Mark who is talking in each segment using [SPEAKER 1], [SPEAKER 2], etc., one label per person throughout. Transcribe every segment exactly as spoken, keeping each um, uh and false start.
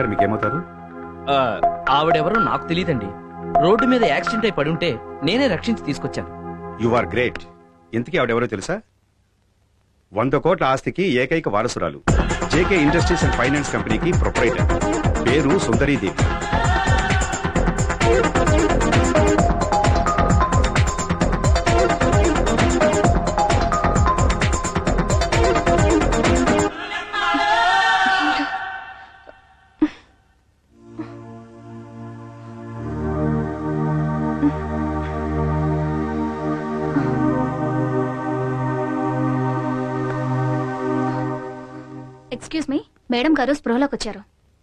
[SPEAKER 1] గారు మీకేమవుతారు?
[SPEAKER 2] ఆవిడెవరో నాకు తెలియదండి. రోడ్డు మీద యాక్సిడెంట్ అయి పడుంటే నేనే రక్షించి తీసుకొచ్చాను.
[SPEAKER 1] You are great. ఇంతకీ ఆవిడెవరో తెలుసా? వంద కోట్ల ఆస్తికి ఏకైక వారసురాలు. జేకే ఇండస్ట్రీస్ అండ్ ఫైనాన్స్ కంపెనీకి ప్రొపరైటర్. పేరు సుందరీదేవి.
[SPEAKER 3] ఎక్స్క్యూజ్ మీ, మేడం గారు స్పృహలోకి వచ్చారు.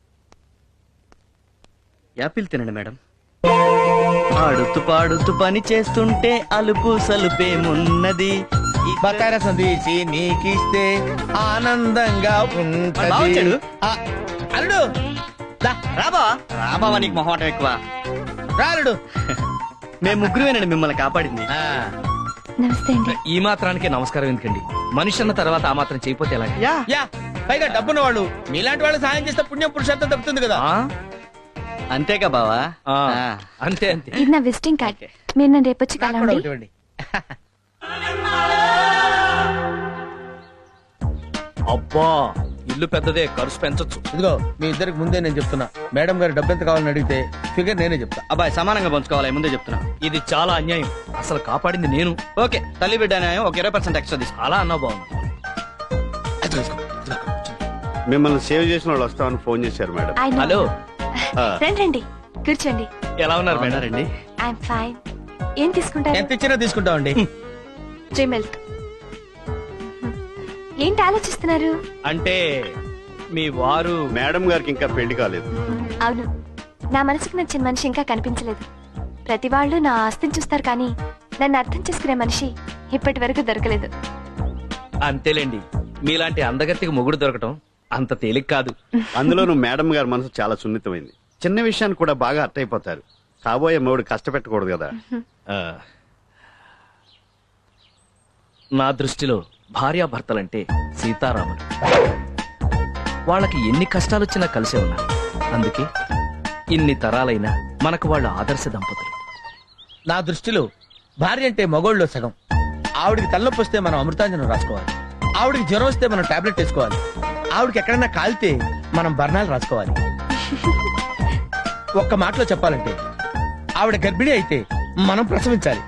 [SPEAKER 4] యాపిల్ తినండి మేడం. ఆడుతూ పాడుతూ పని చేస్తుంటే అలుపు సలుపేమున్నది.
[SPEAKER 5] బకార సందేశి నీకిస్తే ఆనందంగా ఉంటది. అల్లుడు
[SPEAKER 4] రాబా రాబావా, నీకు మొహమాటం ఎక్కువ.
[SPEAKER 5] రాలుడు.
[SPEAKER 4] మేము ముగ్గురువేనండి మిమ్మల్ని కాపాడింది.
[SPEAKER 3] నమస్తే అండి.
[SPEAKER 2] ఈ మాత్రానికే నమస్కారం ఎందుకండి? మనిషి అన్న తర్వాత ఆ మాత్రం చేయపోతే ఎలా?
[SPEAKER 4] యా
[SPEAKER 5] యా పైగా డబ్బున్న వాళ్ళు మీలాంటి వాళ్ళు సాయం చేస్తే పుణ్యం పురుషార్థం దక్కుతుంది కదా.
[SPEAKER 4] అంతేగా బావా.
[SPEAKER 2] ఆ, అంతే అంతే.
[SPEAKER 3] ఇది నా విజిటింగ్ కార్డ్. మీరు నన్ను రేపు వచ్చి
[SPEAKER 5] నాకు కూడా
[SPEAKER 3] కలవండి.
[SPEAKER 5] ఒకటి ఇవ్వండి.
[SPEAKER 2] అబ్బా, ఇల్లు పెద్దదే, ఖర్చు పెంచొచ్చు.
[SPEAKER 5] ఇదిగో మీ ఇద్దరికి ముందే నేను చెప్తున్నా, మేడం గారు డబ్బు ఎంత కావాలని అడిగితే ఫిగర్ నేనే చెప్తా.
[SPEAKER 4] అబ్బాయి సమానంగా పంచుకోవాలి, ముందే చెప్తున్నా.
[SPEAKER 2] ఇది చాలా అన్యాయం. అసలు కాపాడింది నేను.
[SPEAKER 4] ఓకే, తల్లి బిడ్డ న్యాయం ఒక ఇరవై పర్సెంట్ ఎక్స్ట్రా తీసుకో.
[SPEAKER 2] అలా అన్నా బాగుంది.
[SPEAKER 1] మిమ్మల్ని సేవ్ చేసిన వాళ్ళు వస్తామని ఫోన్ చేశారు మేడం.
[SPEAKER 3] I know.
[SPEAKER 2] హలో,
[SPEAKER 3] రండి రండి, కూర్చోండి.
[SPEAKER 2] ఎలా ఉన్నారు మేడం?
[SPEAKER 4] రండి.
[SPEAKER 3] I'm fine. ఏం తీసుకుంటారు?
[SPEAKER 5] ఎంత ఇచ్చినా తీసుకుంటామండి.
[SPEAKER 3] Dairy Milk. ఏంటి ఆలోచిస్తున్నారు?
[SPEAKER 2] అంటే మీ వారు
[SPEAKER 1] మేడం గారికి ఇంకా పెళ్లి కాలేదు.
[SPEAKER 3] అవును, నా మనసుకు నచ్చిన మనిషి ఇంకా కనిపించలేదు. ప్రతి వాళ్ళు నా ఆస్తిని చూస్తారు, కానీ నన్ను అర్థం చేసుకునే మనిషి ఇప్పటి వరకు దొరకలేదు.
[SPEAKER 2] అంతేలేండి, మీలాంటి అందగత్తికి మొగుడు దొరకటం అంత తేలిక కాదు.
[SPEAKER 1] అందులోనూ మేడం గారి మనసు చాలా సున్నితమైంది. చిన్న విషయాన్ని కూడా బాగా అర్థైపోతారు. కాబోయే మొగుడు కష్టపెట్టకూడదు కదా.
[SPEAKER 2] ఆ, నా దృష్టిలో భార్యాభర్తలంటే సీతారాములు. వాళ్ళకి ఎన్ని కష్టాలొచ్చినా కలిసే ఉన్నారు. అందుకే ఇన్ని తరాలైనా మనకు వాళ్ళు ఆదర్శ దంపతులు.
[SPEAKER 5] నా దృష్టిలో భార్య అంటే మగోళ్ళలో సగం. ఆవిడికి తలనొప్పి వస్తే మనం అమృతాంజనం రాసుకోవాలి. ఆవిడికి జ్వరం వస్తే మనం టాబ్లెట్ వేసుకోవాలి. ఆవిడకి ఎక్కడైనా కాలితే మనం బర్ణాలు రాసుకోవాలి. ఒక్క మాటలో చెప్పాలంటే ఆవిడ గర్భిణి అయితే మనం ప్రసవించాలి.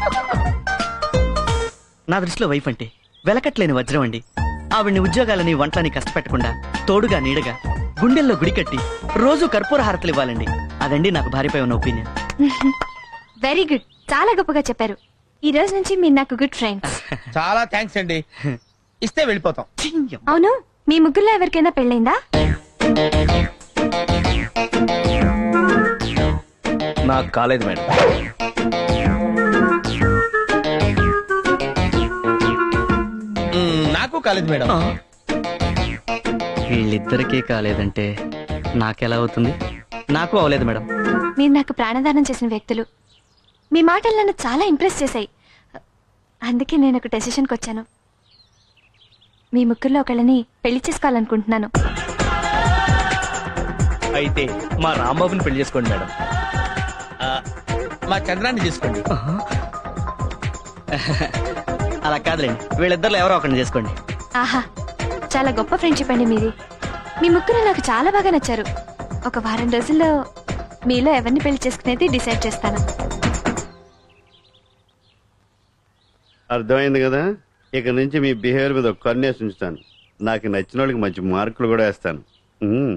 [SPEAKER 4] నా దృష్టిలో వైఫ్ అంటే వెలకట్లేని వజ్రం అండి. ఆవిడ్ని ఉద్యోగాలని వంటలని కష్టపెట్టకుండా తోడుగా నీడగా గుండెల్లో గుడి కట్టి రోజు కర్పూర హారతలు ఇవ్వాలండి. అదండి నాకు భార్యపై ఉన్న ఒపీనియన్.
[SPEAKER 3] వెరీ గుడ్, చాలా గొప్పగా చెప్పారు. ఈ రోజు నుంచి మీరు నాకు గుడ్ ఫ్రెండ్స్.
[SPEAKER 5] చాలా థ్యాంక్స్ అండి. ఇస్తే వెళ్ళిపోతాం.
[SPEAKER 3] అవును, మీ ముగ్గురులో ఎవరికైనా పెళ్ళైందా?
[SPEAKER 2] నాకు కాలేదు మేడం.
[SPEAKER 5] మ్మ్, నాకు కాలేదు మేడం.
[SPEAKER 4] వీళ్ళిద్దరికీ కాలేదంటే నాకెలా అవుతుంది? నాకు అవలేదు మేడం.
[SPEAKER 3] మీరు నాకు ప్రాణదానం చేసిన వ్యక్తులు. మీ మాటలు నన్ను చాలా ఇంప్రెస్ చేశాయి. అందుకే నేను ఒక డెసిషన్కి వచ్చాను. మీ ముగ్గురులో ఒకళ్ళని పెళ్లి చేసుకోవాలనుకుంటున్నాను.
[SPEAKER 2] అయితే మా రాంబాబుని పెళ్లి చేసుకోండి మేడం.
[SPEAKER 5] ఆ, మా చంద్రాన్ని తీసుకోండి.
[SPEAKER 4] అలా కాదులేండి, వీళ్ళిద్దరిలో ఎవరో ఒకరిని చేసుకోండి.
[SPEAKER 3] ఆహా, చాలా గొప్ప ఫ్రెండ్షిప్ అండి మీది. మీ ముగ్గురు నాకు చాలా బాగా నచ్చారు. ఒక వారం రోజుల్లో మీలో ఎవరిని పెళ్లి చేసుకునేది డిసైడ్ చేస్తాను.
[SPEAKER 1] అర్థమైంది కదా. ఇక నుంచి మీ బిహేవియర్ మీద ఒక కన్నేసి ఉంచుతాను. నాకు నచ్చిన వాళ్ళకి మంచి మార్కులు కూడా వేస్తాను. ఉమ్.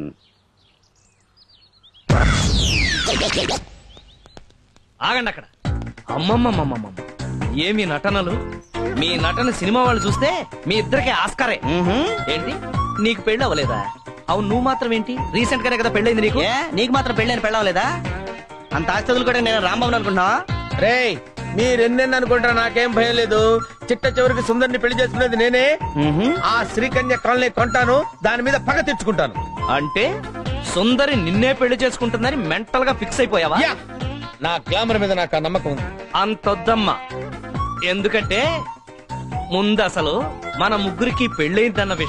[SPEAKER 2] ఆగండి అక్కడ. అమ్మమ్మమ్మమ్మమ్మ, ఏమి నటనలు! మీ నటన సినిమా వాళ్ళు చూస్తే మీ ఇద్దరికి ఆస్కారే. ఏంటి, నీకు పెళ్ళి అవ్వలేదా? అవును, నువ్వు మాత్రం ఏంటి, రీసెంట్ గానే కదా పెళ్ళైంది నీకు.
[SPEAKER 4] ఏ, నీకు మాత్రం పెళ్ళని పెళ్ళవలేదా? అంత ఆస్తి కూడా నేను రాంబాబుని అనుకుంటున్నావా?
[SPEAKER 5] రేయ్, మీరెన్నెన్ని అనుకుంటారా, నాకేం భయం లేదు. చిట్ట చివరికి సుందరిని పెళ్లి చేసుకునేది నేనే. ఆ శ్రీకన్య కాలనీ కొంటాను, దాని మీద పగ తెచ్చుకుంటాను.
[SPEAKER 2] అంటే సుందరి నిన్నే పెళ్లి చేసుకుంటుందని మెంటల్ గా ఫిక్స్ అయిపోయావా?
[SPEAKER 5] యా, నా గ్లామర్ మీద నాకు ఆ నమ్మకం ఉంది.
[SPEAKER 2] అంతొద్దమ్మా. ఎందుకంటే ముందు అసలు మన ముగ్గురికి పెళ్ళైందన్న విషయం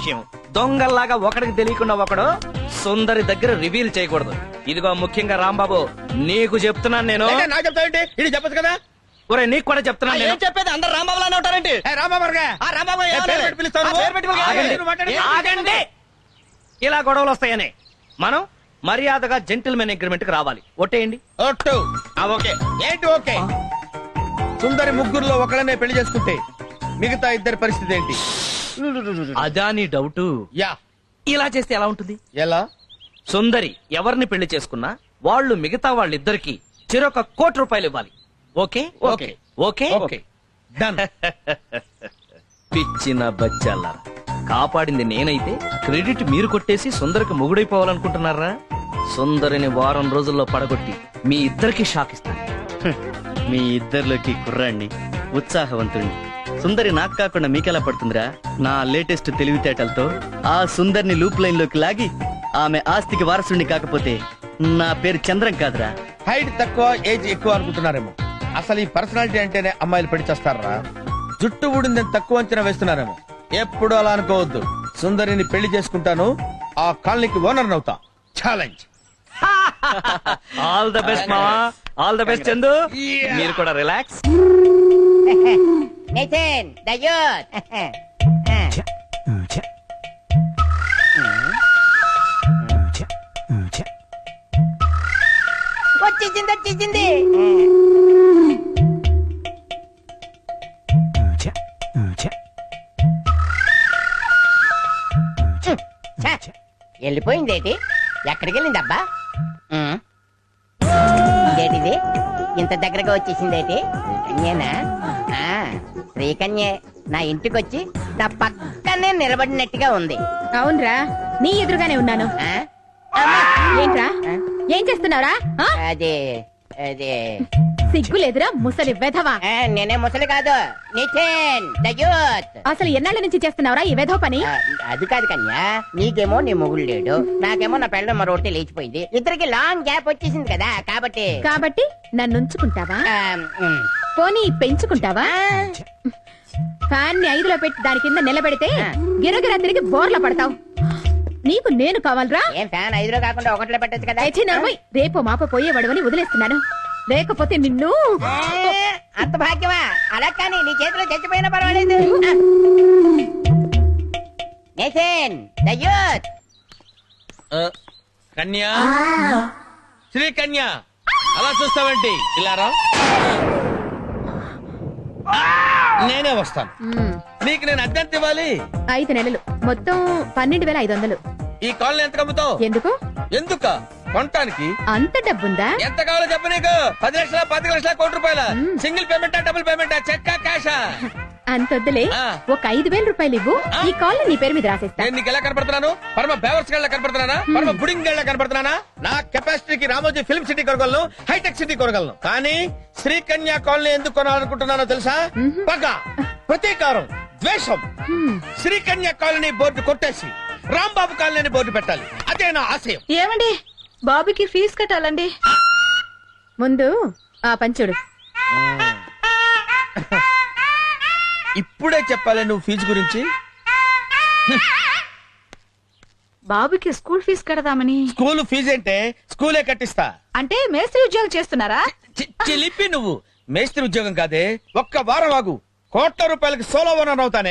[SPEAKER 2] దొంగల్లాగా ఒకడికి తెలియకుండా ఒకడు సుందరి దగ్గర రివీల్ చేయకూడదు. ఇదిగో ముఖ్యంగా రాంబాబు నీకు చెప్తున్నాను నేను.
[SPEAKER 5] ఏంటి, నాకు చెప్తావేంటి? ఇది చెప్పచ్చు కదా.
[SPEAKER 2] ఒరే నీకు కూడా చెప్తున్నాను నేను.
[SPEAKER 4] ఏం చెప్పేది అందరు రాంబాబులానే ఉంటారేంటి?
[SPEAKER 5] ఏ, రాంబాబు గారుగా?
[SPEAKER 4] ఆ రాంబాబు
[SPEAKER 5] ఏ,
[SPEAKER 4] ఏమన్నాడు?
[SPEAKER 5] పేరు పెట్టి పిలుస్తావు నువ్వు?
[SPEAKER 4] ఆ, పేరు పెట్టి పిలుస్తావు.
[SPEAKER 5] ఆగండి.
[SPEAKER 4] ఆగండి.
[SPEAKER 5] నువ్వు మాట్లాడు.
[SPEAKER 2] ఆగండి. ఇలా గొడవలు వస్తాయని మనం మర్యాదగా జెంటిల్మెన్ అగ్రిమెంట్ కి రావాలి. ఒట్టేయండి.
[SPEAKER 5] ఒట్టు. ఆ, ఓకే. ఏంటి ఓకే? సుందరి ముగ్గురులో ఒకళ్ళనే పెళ్లి చేసుకుంటే మిగతా ఇద్దరి పరిస్థితి ఏంటి?
[SPEAKER 2] అదా నీ డౌట్?
[SPEAKER 5] యా.
[SPEAKER 2] ఇలా చేస్తే ఎలా ఉంటుంది?
[SPEAKER 5] ఎలా?
[SPEAKER 2] సుందరి ఎవరిని పెళ్లి చేసుకున్నా వాళ్ళు మిగతా వాళ్ళిద్దరికి చెరొక కోటి రూపాయలు ఇవ్వాలి. Okay
[SPEAKER 5] okay.
[SPEAKER 2] Okay
[SPEAKER 5] okay. Done.
[SPEAKER 2] పిచ్చిన బచ్చాల కాపాడింది నేనైతే క్రెడిట్ మీరు కొట్టేసి సుందరికి మొగుడైపోవాలనుకుంటున్నారా? సుందరిని వారం రోజుల్లో పడగొట్టి మీ ఇద్దరికి షాక్ ఇస్తాను.
[SPEAKER 4] మీ ఇద్దరిలోకి కుర్రాణ్ణి, ఉత్సాహవంతుణ్ణి. సుందరి నాకు కాకుండా మీకెలా పడుతుందిరా? నా లేటెస్ట్ తెలివితేటలతో ఆ సుందరిని లూప్ లైన్ లోకి లాగి ఆమె ఆస్తికి వారసుడిని కాకపోతే నా పేరు చంద్రం కాదురా.
[SPEAKER 5] హైట్ తక్కువ ఏజ్ ఎక్కువ అనుకుంటున్నారేమో. అసలు ఈ పర్సనాలిటీ అంటేనే అమ్మాయిలు పెళ్లి చేస్తారా? జుట్టు ఊడిందని తక్కువ అంచనా వేస్తున్నారేమో. ఎప్పుడు అలా అనుకోవద్దు. సుందరిని పెళ్లి చేసుకుంటాను, ఆ కాలనీకి ఓనర్ అవుతా. ఛాలెంజ్.
[SPEAKER 2] ఆల్ ద బెస్ట్ మావా, all the best Chandu.
[SPEAKER 5] Yeah.
[SPEAKER 2] మీరు కూడా రిలాక్స్.
[SPEAKER 6] నితిన్ దయూత్ వచ్చేసింది వచ్చేసింది ఛ, వెళ్ళిపోయిందేటి? ఎక్కడికి వెళ్ళింది అబ్బా? ఇదేటిది ఇంత దగ్గరగా వచ్చేసిందేటి? శ్రీకన్యేనా? ఆ, శ్రీకన్యే నా ఇంటికి వచ్చి నా పక్కనే నిలబడినట్టుగా ఉంది.
[SPEAKER 7] అవునరా, నీ ఎదురుగానే ఉన్నాను.
[SPEAKER 6] ఆ? అమ్మా!
[SPEAKER 7] ఏంట్రా,
[SPEAKER 6] ఆ?
[SPEAKER 7] ఏం చేస్తున్నావురా? ఆ?
[SPEAKER 6] అదే అదే
[SPEAKER 7] సిగ్గులేదురా ముసలి వెధవా.
[SPEAKER 6] ఆ, నేనే ముసలి కాదు, నితిన్ దయూత్.
[SPEAKER 7] అసలు ఎన్నాళ్ళ నుంచి చేస్తున్నావురా ఈ వెధవ పని?
[SPEAKER 6] ఆ, అది కాదు కన్యా, నీకేమో నీ మొగుడు లేడు, నాకేమో నా పెళ్ళ మరొకటి లేచిపోయింది. ఇద్దరికి లాంగ్ గ్యాప్ వచ్చేసింది కదా, కాబట్టి
[SPEAKER 7] కాబట్టి నన్ను ఉంచుకుంటావా?
[SPEAKER 6] ఆ, ఉమ్.
[SPEAKER 7] పోనీ పెంచుకుంటావా? ఫ్యాన్ ని ఐదులో పెట్టి దాని కింద నిలబెడితే
[SPEAKER 6] ఆ.
[SPEAKER 7] గిరగిరా తిరిగి బోర్ల పడతావు. నీకు నేను కావాలరా?
[SPEAKER 6] ఏం ఫ్యాన్ ఐదులో కాకుండా ఒకటిలో పెట్టచ్చు కదా?
[SPEAKER 7] అయితే నవ్వయ్, రేపు మాప పోయేవాడు అని వదిలేస్తున్నాను. లేకపోతే నిన్ను
[SPEAKER 6] ఆ, అంత భాగ్యమా? అలా కానీ నీ చేతిలో చచ్చిపోయినా పర్వాలేదు. ఆ. నితిన్ దయూత్.
[SPEAKER 5] ఆ, కన్యా, శ్రీ కన్యా, అలా చూస్తావేంటి? ఇలా రా. నేనే వస్తాను.
[SPEAKER 7] మ్మ్.
[SPEAKER 5] నీకు నేను అద్దెంత ఇవ్వాలి?
[SPEAKER 7] ఐదు నెలలు మొత్తం పన్నెండు వేల ఐదు వందలు.
[SPEAKER 5] ఈ కాలనీ ఎంత కమ్ముతావు?
[SPEAKER 7] ఎందుకు
[SPEAKER 5] ఎందుక? కొనటానికి.
[SPEAKER 7] అంత డబ్బుందా?
[SPEAKER 5] ఎంత కావాలో చెప్పు. నీకు పది లక్షల పది లక్షల కోటి రూపాయల
[SPEAKER 7] మ్మ్.
[SPEAKER 5] Single పేమెంటా double పేమెంటా చెక్కా క్యాషా?
[SPEAKER 7] అంతొద్దులే,
[SPEAKER 5] ఆ.
[SPEAKER 7] ఒక ఐదు వేల రూపాయలు ఇవ్వు,
[SPEAKER 5] ఆ.
[SPEAKER 7] ఈ కాల్ నీ పేరు మీద రాసేస్తా.
[SPEAKER 5] నేను నీకు ఎలా కనపడుతున్నాను? పరమ బేవర్స్ గళ్ళ కనపడుతున్నానా? పరమ బుడింగ్ గళ్ళ కనపడుతున్నానా? నా కెపాసిటీకి రామోజీ ఫిల్మ్ సిటీ కొనగలను, హైటెక్ సిటీ కొనగలను. కానీ శ్రీకన్యా కాలనీ ఎందుకు కొనాలనుకుంటున్నానో తెలుసా? పగ, ప్రతీకారం, ద్వేషం.
[SPEAKER 7] హ్మ్.
[SPEAKER 5] శ్రీకన్యా కాలనీ బోర్డు కొట్టేసి రాంబాబు కాలనీ బోర్డు పెట్టాలి. అదే నా ఆశయం.
[SPEAKER 7] ఏమండి, బాబుకి ఫీజు కట్టాలండి. ముందు ఆ పంచుడు.
[SPEAKER 5] ఇప్పుడే చెప్పాలి నువ్వు ఫీజు గురించి?
[SPEAKER 7] బాబుకి స్కూల్ ఫీజు కడదామని.
[SPEAKER 5] స్కూల్ ఫీజు అంటే స్కూలే కట్టిస్తా.
[SPEAKER 7] అంటే మేస్త్రి ఉద్యోగం చేస్తున్నారా?
[SPEAKER 5] చి- చిలిపి నువ్వు. మేస్త్రి ఉద్యోగం కాదే, ఒక్క వారం ఆగు, కోట్ల రూపాయలకి సోలో ఓనర్ అవుతానే.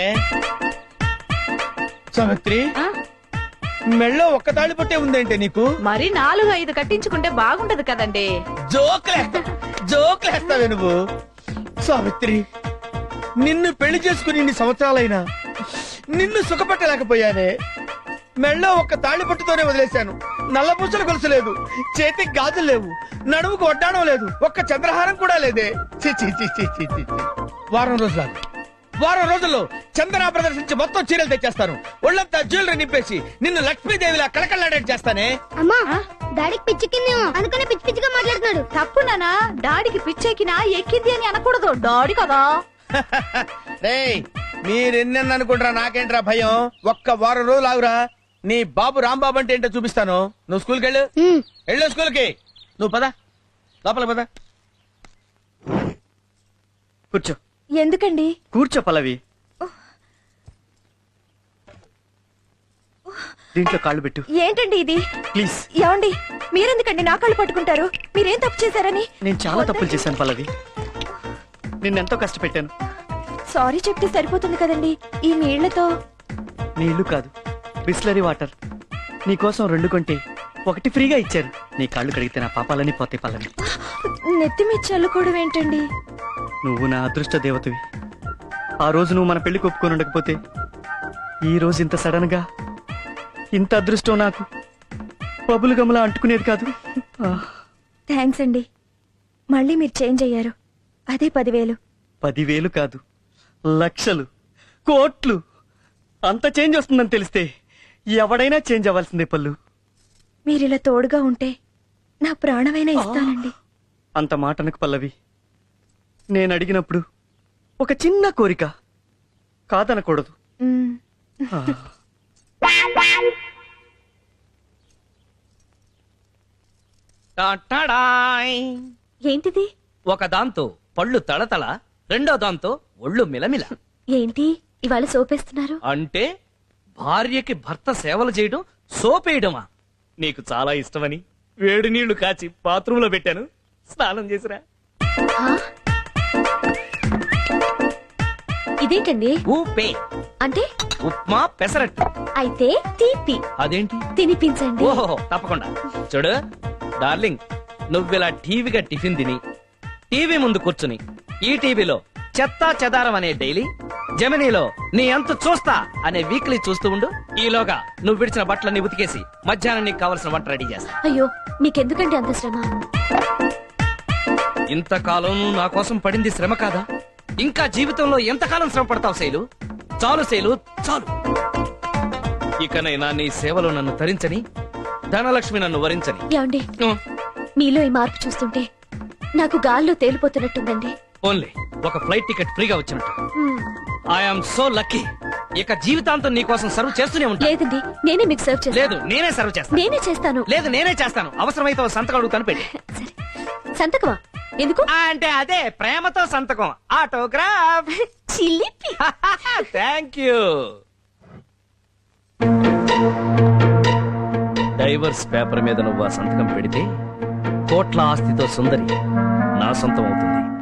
[SPEAKER 5] సావిత్రి,
[SPEAKER 7] ఆ?
[SPEAKER 5] మెళ్ళో ఒక్క తాళి పట్టే ఉందేంటే నీకు?
[SPEAKER 7] మరి నాలుగు ఐదు కట్టించుకుంటే బాగుంటది కదండి.
[SPEAKER 5] జోకులేస్తా జోకులేస్తావే నువ్వు. సావిత్రి, నిన్ను పెళ్లి చేసుకుని ఇన్ని సంవత్సరాలైనా నిన్ను సుఖపెట్టలేకపోయానే. మెళ్ళో ఒక్క తాళి పట్టుతోనే వదిలేశాను. నల్లపూసలు గొలుసు లేదు, చేతికి గాజులు లేవు, నడుముకు వడ్డాణం లేదు, ఒక్క చంద్రహారం కూడా లేదే. చి చి చి చి చి చి. వారం రోజులు ఆగు. వారం రోజుల్లో చందన ప్రదర్శించి మొత్తం చీరలు తెచ్చేస్తాను. ఒళ్ళంతా జ్యువెలరీ నింపేసి నిన్ను లక్ష్మీదేవిలా కళకళలాడేట్ చేస్తానే.
[SPEAKER 8] అమ్మా, డాడీకి పిచ్చెక్కిందేమో అందుకనే పిచ్చి పిచ్చిగా మాట్లాడుతున్నాడు.
[SPEAKER 7] తప్పు నానా, డాడీకి పిచ్చెక్కినా ఎక్కింది అని అనకూడదు. డాడీ కదా.
[SPEAKER 5] రేయ్, మీరెన్నెన్న అనుకుంటారా, నాకేంట్రా భయం. ఒక్క వారం రోజులు ఆగురా, నీ బాబు రాంబాబు అంటే ఏంటో చూపిస్తాను. నువ్వు స్కూల్కి వెళ్ళు. వెళ్ళు స్కూల్కి. నువ్వు పద, లోపల పద.
[SPEAKER 4] కూర్చో.
[SPEAKER 3] ఎందుకండి?
[SPEAKER 4] కూర్చో పల్లవి. దీంట్లో కాళ్ళు పెట్టు
[SPEAKER 3] ఏంటండి ఇది?
[SPEAKER 4] ప్లీజ్.
[SPEAKER 3] ఏమండి మీరెందుకండి నా కాళ్ళు పట్టుకుంటారు? మీరేం తప్పు చేశారని?
[SPEAKER 4] నేను చాలా తప్పులు చేశాను పల్లవి, నిన్నెంతో కష్టపెట్టాను.
[SPEAKER 3] సారీ చెప్తే సరిపోతుంది కదండి. ఈ నీళ్లతో
[SPEAKER 4] నీళ్లు కాదు, బిస్లరీ వాటర్. నీకోసం రెండు కొంటే ఒకటి ఫ్రీగా ఇచ్చారు. నీ కాళ్ళు కడిగితే నా పాపాలని పోతే పల్లవి.
[SPEAKER 3] నెత్తి మీద చల్లుకోవడం ఏంటండి?
[SPEAKER 4] నువ్వు నా అదృష్ట దేవతవి. ఆ రోజు నువ్వు మన పెళ్లి ఒప్పుకొని ఉండకపోతే ఈ రోజు ఇంత సడన్ గా ఇంత అదృష్టం నాకు బబులు గమలా అంటుకునేది కాదు. ఆ,
[SPEAKER 3] థ్యాంక్స్ అండి. మళ్ళీ మీరు చేంజ్ అయ్యారు. అదే పదివేలు.
[SPEAKER 4] పదివేలు కాదు, లక్షలు, కోట్లు, అంత చేంజ్ వస్తుందని తెలిస్తే ఎవడైనా చేంజ్ అవ్వాల్సిందే పల్లు.
[SPEAKER 3] మీరిలా తోడుగా ఉంటే నా ప్రాణమైనా ఇస్తానండి.
[SPEAKER 4] అంత మాటనకు పల్లవి. నేను అడిగినప్పుడు ఒక చిన్న కోరిక కాదనకూడదు.
[SPEAKER 3] మ్మ్.
[SPEAKER 4] ఆ.
[SPEAKER 2] టాటాడాయ్.
[SPEAKER 3] ఏంటిది?
[SPEAKER 2] ఒక దాంతో పళ్ళు తళతళ, రెండో దాంతో ఒళ్ళు మిలమిల.
[SPEAKER 3] ఏంటి ఇవాళ సోపేస్తున్నారు?
[SPEAKER 2] అంటే భార్యకి భర్త సేవలు చేయడం సోపేయడమా? నీకు చాలా ఇష్టమని వేడి నీళ్లు కాచి బాత్రూంలో పెట్టాను, స్నానం చేసిరా.
[SPEAKER 3] హా? ఇదేంటండి?
[SPEAKER 2] ఊపే
[SPEAKER 3] అంటే
[SPEAKER 2] ఉప్మా పెసరట్టు.
[SPEAKER 3] అయితే తీపి
[SPEAKER 2] అదేంటి?
[SPEAKER 3] తినిపించండి.
[SPEAKER 2] ఓహో తప్పకుండా. చూడు డార్లింగ్, నువ్విలా టీవీగా టిఫిన్ తిని టీవీ ముందు కూర్చుని ఈ టీవీలో చెత్తా చెదారం అనే డైలీ, జమినీలో నీ అంత చూస్తా అనే వీక్లీ చూస్తూ ఉండు. ఈలోగా నువ్వు విడిచిన బట్టలన్నీ ఉతికేసి మధ్యాహ్నం నీకు కావలసిన వంట రెడీ చేస్తా.
[SPEAKER 3] అయ్యో మీకెందుకండి అంత శ్రమ?
[SPEAKER 2] ఇంతకాలం నువ్వు నా కోసం పడింది శ్రమ కాదా? ఇంకా జీవితంలో ఎంతకాలం శ్రమ పడతావు శైలు? చాలు శైలు, చాలు. ఇకనైనా నీ సేవలో నన్ను తరించని, ధనలక్ష్మి నన్ను వరించని.
[SPEAKER 3] ఏమండి
[SPEAKER 2] ఉ,
[SPEAKER 3] మీలో ఈ మార్పు చూస్తుంటే నాకు గాల్లో తేలిపోతున్నట్టుందండి.
[SPEAKER 2] ఓన్లీ ఒక ఫ్లైట్ టికెట్ ఫ్రీగా వచ్చినట్టు.
[SPEAKER 3] మ్మ్.
[SPEAKER 2] I'm so lucky. ఇక జీవితాంతం నీ కోసం సర్వ్ చేస్తూనే ఉంటా.
[SPEAKER 3] లేదండి నేనే మీకు సర్వ్ చేస్తాను.
[SPEAKER 2] లేదు నేనే సర్వ్ చేస్తాను.
[SPEAKER 3] నేనే చేస్తాను.
[SPEAKER 2] లేదు నేనే చేస్తాను. అవసరమైతే ఓ సంతకం అడుగుతాను, పెట్టి.
[SPEAKER 3] సరే సంతకమా? ఎందుకు?
[SPEAKER 2] ఆ, అంటే అదే ప్రేమతో సంతకం, ఆటోగ్రాఫ్.
[SPEAKER 3] చిలిపి.
[SPEAKER 2] Thank you. డైవర్స్ పేపర్ మీద నువ్వు ఆ సంతకం పెడితే కోట్ల ఆస్తితో సుందరి నా సొంతం అవుతుంది.